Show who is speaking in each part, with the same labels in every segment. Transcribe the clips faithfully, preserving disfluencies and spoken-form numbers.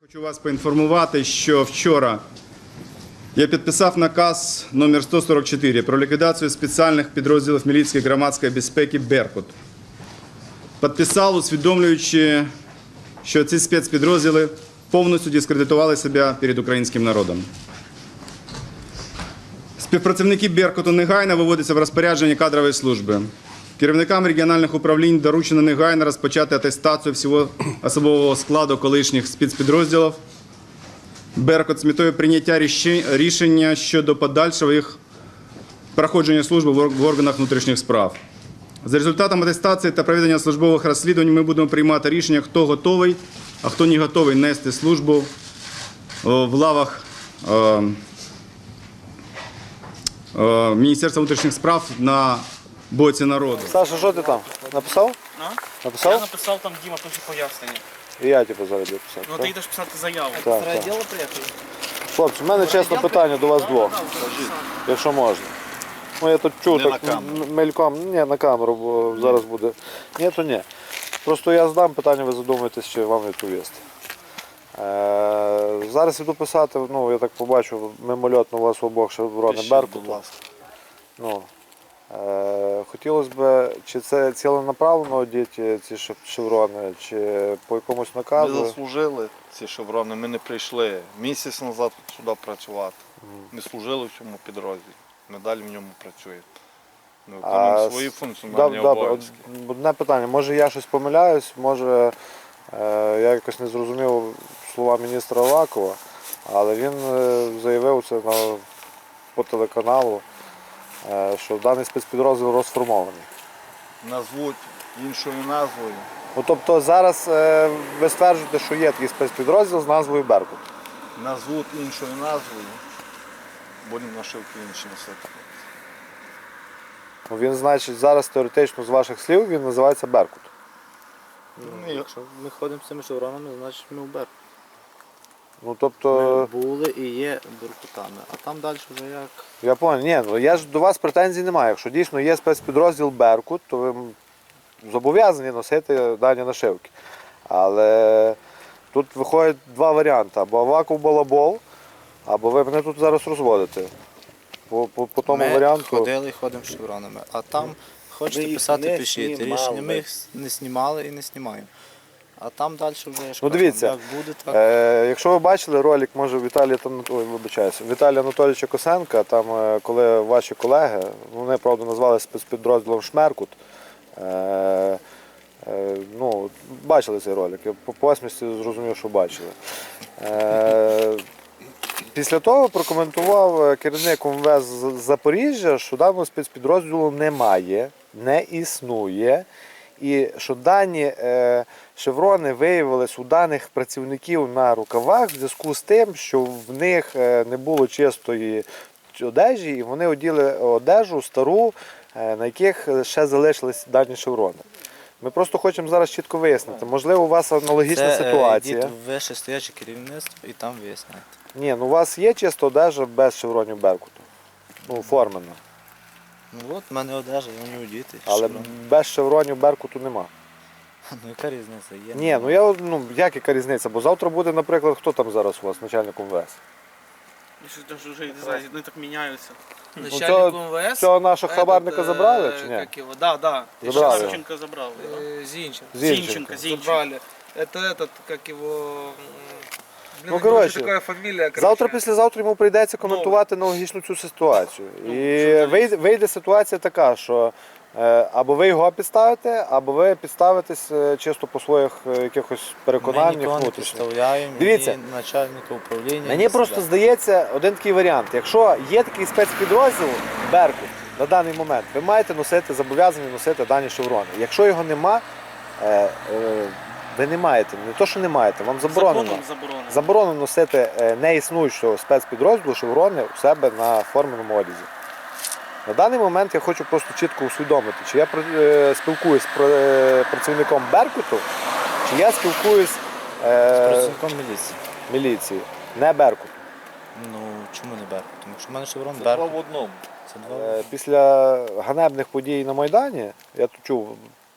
Speaker 1: Хочу вас поінформувати, що вчора я підписав наказ номер сто сорок чотири про ліквідацію спеціальних підрозділів міліції громадської безпеки «Беркут». Підписав, усвідомлюючи, що ці спецпідрозділи повністю дискредитували себе перед українським народом. Співпрацівники «Беркуту» негайно виводяться в розпорядження кадрової служби. Керівникам регіональних управлінь доручено негайно розпочати атестацію всього особового складу колишніх спецпідрозділів «Беркут» з метою прийняття рішення щодо подальшого їх проходження служби в органах внутрішніх справ. За результатом атестації та проведення службових розслідувань ми будемо приймати рішення, хто готовий, а хто не готовий нести службу в лавах Міністерства внутрішніх справ на боці народу.
Speaker 2: Саша, що ти там? Написав?
Speaker 3: А?
Speaker 2: Написав?
Speaker 3: Я написав, там Діма пише пояснення.
Speaker 2: І я типу зараз буду писати.
Speaker 3: Ну
Speaker 2: так?
Speaker 3: ти йдеш писати заяву.
Speaker 2: Так,
Speaker 3: З
Speaker 2: так.
Speaker 3: райділу приїхали?
Speaker 2: Хлопці, в мене чесно питання до вас двох, якщо можна. Ну я тут чув
Speaker 4: Не
Speaker 2: так
Speaker 4: на камеру.
Speaker 2: м- мельком, ні, на камеру, бо зараз буде. Ні, то ні. Просто я задам питання, ви задумаєтесь, чи вам відповісти. Е, зараз іду писати, ну я так побачу, мимольотно у вас у обох шеврони
Speaker 4: Пишіть,
Speaker 2: Беркуту.
Speaker 4: будь ласка.
Speaker 2: Ну, е, хотілося б, чи це ціленаправленно одіти ці шев- шеврони, чи по якомусь
Speaker 4: Ми
Speaker 2: наказу.
Speaker 4: заслужили ці шеврони, ми не прийшли місяць назад сюди працювати. Ми служили в цьому підрозділі, ми далі в ньому працюємо. Ми виконуємо свої функціональні
Speaker 2: Добре,
Speaker 4: обов'язки.
Speaker 2: од- одне питання. Може я щось помиляюсь, може е, я якось не зрозумів слова міністра Авакова, але він е, заявив це на, по телеканалу, е, що даний спецпідрозділ розформований.
Speaker 4: Назвуть іншою назвою.
Speaker 2: Ну, тобто зараз е, ви стверджуєте, що є такий спецпідрозділ з назвою «Беркут».
Speaker 4: Назвуть іншою назвою, будемо нашивки інші носити.
Speaker 2: Ну, він, значить, зараз теоретично з ваших слів він називається «Беркут».
Speaker 4: Ну,
Speaker 5: Якщо ми ходимо з цими шевронами, значить ми в Беркут.
Speaker 2: Ну, тобто,
Speaker 5: Ми були і є беркутами. А там далі вже як.
Speaker 2: я пам'ятаю, ні, ну я ж до вас претензій немає. Якщо дійсно є спецпідрозділ «Беркут», то ви зобов'язані носити дані нашивки. Але тут виходять два варіанти. Або Аваков балабол, або ви мене тут зараз розводите. По, по, по тому
Speaker 5: ми
Speaker 2: варіанту.
Speaker 5: ходили і ходимо з шевронами. А там хочете
Speaker 2: ви їх
Speaker 5: писати,
Speaker 2: не
Speaker 5: пишіть.
Speaker 2: знімали.
Speaker 5: Рішення ми їх не знімали і не знімаємо. А там далі вже я ж
Speaker 2: Ну,
Speaker 5: кажу,
Speaker 2: дивіться,
Speaker 5: як буде, так.
Speaker 2: Е, якщо ви бачили ролик, може Віталія там, ой, вибачаюсь, Віталія Анатолійовича Косенка, там е, коли ваші колеги, вони правда назвали спецпідрозділом «Шмеркут», е, е, ну, бачили цей ролик, я по посмішці зрозумів, що бачили. Е, після того прокоментував керівник ем ве ес з Запоріжжя, що даного спецпідрозділу немає, не існує. І що дані е, шеврони виявились у даних працівників на рукавах в зв'язку з тим, що в них е, не було чистої одежі, і вони оділи одежу стару, е, на яких ще залишились дані шеврони. Ми просто хочемо зараз чітко вияснити. Можливо, у вас аналогічна
Speaker 5: Це,
Speaker 2: ситуація.
Speaker 5: Йдіть в вище стояче керівництво і там виясняйте.
Speaker 2: Ні, ну у вас є чиста одежа без шевронів «Беркуту». Ну, оформлена.
Speaker 5: Ну от, в мене одежа, я не одіти.
Speaker 2: Але
Speaker 5: шеврони.
Speaker 2: без шевронів «Беркуту» нема.
Speaker 5: Ну яка різниця? Є.
Speaker 2: Ні, ну я ну як яка різниця? Бо завтра буде, наприклад, хто там зараз у вас, начальник ем ве ес?
Speaker 3: Я щось даже вже не знаю, вони так міняються.
Speaker 2: цього-
Speaker 3: Начальник ем ве ес.
Speaker 2: Цього нашого
Speaker 3: этот,
Speaker 2: хабарника
Speaker 3: э,
Speaker 2: забрали чи ні?
Speaker 3: Как его? Да, да.
Speaker 2: Забрали.
Speaker 3: Савченко забрал. да.
Speaker 6: Э, Зинченко.
Speaker 2: Зінченко.
Speaker 3: Зинченко, Зинченко.
Speaker 6: Забрали. Это этот, как его... м,
Speaker 2: Ну,
Speaker 6: блин, у него
Speaker 2: короче,
Speaker 6: же такая фамилия, короче.
Speaker 2: Завтра, післязавтра йому прийдеться коментувати аналогічну цю ситуацію.
Speaker 3: Ну,
Speaker 2: І
Speaker 3: журналіст.
Speaker 2: вийде, вийде ситуація така, що е, або ви його підставите, або ви підставитесь е, чисто по своїх е, якихось
Speaker 5: Ми
Speaker 2: переконаннях
Speaker 5: нікого не
Speaker 2: внутрішніх.
Speaker 5: підставляємо,
Speaker 2: Дивіться.
Speaker 5: ні начальника управління.
Speaker 2: Мені
Speaker 5: ні
Speaker 2: просто
Speaker 5: себе.
Speaker 2: здається один такий варіант. Якщо є такий спецпідрозділ «Беркут» на даний момент, ви маєте носити, зобов'язані носити дані шеврони. Якщо його нема, е, е, ви не маєте, не то, що не маєте, вам заборонено.
Speaker 3: Законом заборонено.
Speaker 2: Заборонено носити е, неіснуючого спецпідрозділу шеврони у себе на форменому одязі. На даний момент я хочу просто чітко усвідомити, чи я е, спілкуюсь з пр- е, працівником «Беркуту», чи я спілкуюсь
Speaker 5: З
Speaker 2: е,
Speaker 5: працівником міліції.
Speaker 2: міліції, не «Беркут».
Speaker 5: Ну чому не Беркут? Тому що в мене шеврон
Speaker 4: Це два
Speaker 5: Беркут.
Speaker 4: в одному.
Speaker 5: Це два.
Speaker 2: Е, Після ганебних подій на Майдані, я тут чув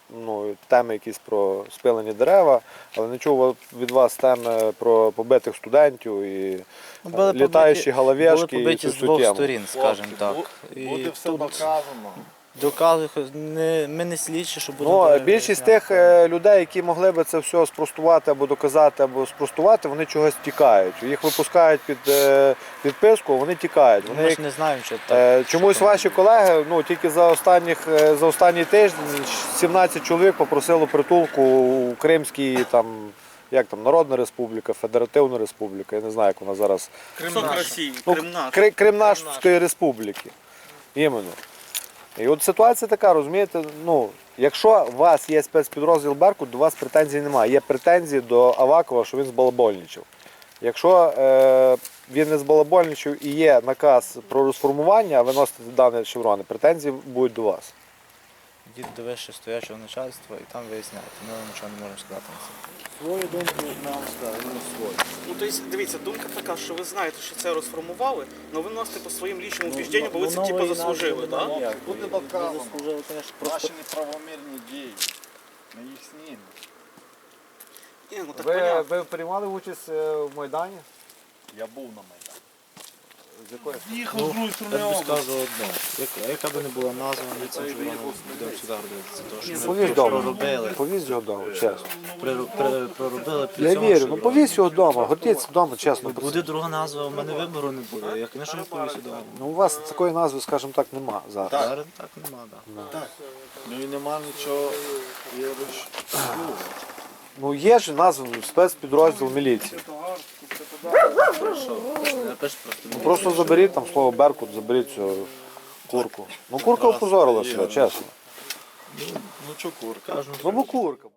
Speaker 2: ну, теми якісь про спилені дерева, але не чув від вас теми про побитих студентів і
Speaker 5: Ну, були
Speaker 2: літаючі
Speaker 5: побиті-
Speaker 2: головешки
Speaker 5: були
Speaker 2: і
Speaker 5: побиті
Speaker 2: цю
Speaker 5: з
Speaker 2: всю
Speaker 5: двох
Speaker 2: тему.
Speaker 5: сторін, скажімо так.
Speaker 4: Бу-
Speaker 5: І
Speaker 4: Буде все
Speaker 5: тут
Speaker 4: доказано.
Speaker 5: доказує, не, ми не слідчі, що будемо...
Speaker 2: Ну,
Speaker 5: перевіряти.
Speaker 2: більшість тих е, людей, які могли би це все спростувати або доказати, або спростувати, вони чогось тікають. Їх випускають під е, підписку, вони тікають. Вони
Speaker 5: Ми
Speaker 2: їх
Speaker 5: ж не знаємо, що так.
Speaker 2: Е, Чомусь ваші колеги, ну тільки за останніх е, за останній тиждень сімнадцять чоловік попросило притулку у Кримській там, як там, Народна Республіка, Федеративна Республіка, я не знаю, як вона зараз.
Speaker 3: Кусок Росії,
Speaker 2: Ну,
Speaker 3: Крим наш.
Speaker 2: Кри- Кримнашської Республіки. Іменно. І от ситуація така, розумієте, ну, якщо у вас є спецпідрозділ Беркут, до вас претензій немає. Є претензії до Авакова, що він збалабольничав. Якщо е, він не збалабольничав і є наказ про розформування, а ви носите дані шеврони, претензії будуть до вас.
Speaker 5: Йдіть до вище стоячого начальства і там виясняйте. Ми вам нічого не можемо сказати на це.
Speaker 4: Свою думку нам сказали, свою.
Speaker 3: Ну, тобто, дивіться, думка така, що ви знаєте, що це розформували, але ви носите по своїм лічному убіжденню, бо ви це типу заслужили, так? Да?
Speaker 4: Буде доказано. Наші неправомірні дії. Ми їх знімемо.
Speaker 3: Ні, ну так
Speaker 2: Ви,
Speaker 3: понятно.
Speaker 2: ви приймали участь е, в Майдані?
Speaker 4: Я був на Майдані.
Speaker 2: З якої?
Speaker 3: Їхав з другої
Speaker 5: Я тобі скажу одне. Яка, яка би не була назва, ми цим живемо, будемо сюди гордитися. Тому що ми
Speaker 2: Повізь вдома.
Speaker 5: проробили,
Speaker 2: Повізь його вдома, чесно.
Speaker 5: при- при- проробили при
Speaker 2: Я
Speaker 5: цьому,
Speaker 2: вірю,
Speaker 5: що
Speaker 2: ну повізь його вдома, гордіться вдома, чесно.
Speaker 5: буде друга назва, у мене вибору не буде. Я, звісно, не повісю вдома.
Speaker 2: Ну у вас такої назви, скажімо так, нема зараз.
Speaker 5: Зараз так нема, так.
Speaker 4: Ну і нема нічого. Я лиш-
Speaker 2: Ну є ж назва спецпідрозділ міліції.
Speaker 5: Напиш просто.
Speaker 2: Ну, просто заберіть там слово Беркут, заберіть цю курку. Ну курка опозорила себе, чесно.
Speaker 4: Ну чо курка?
Speaker 5: Кажу,
Speaker 2: Ну бо курка.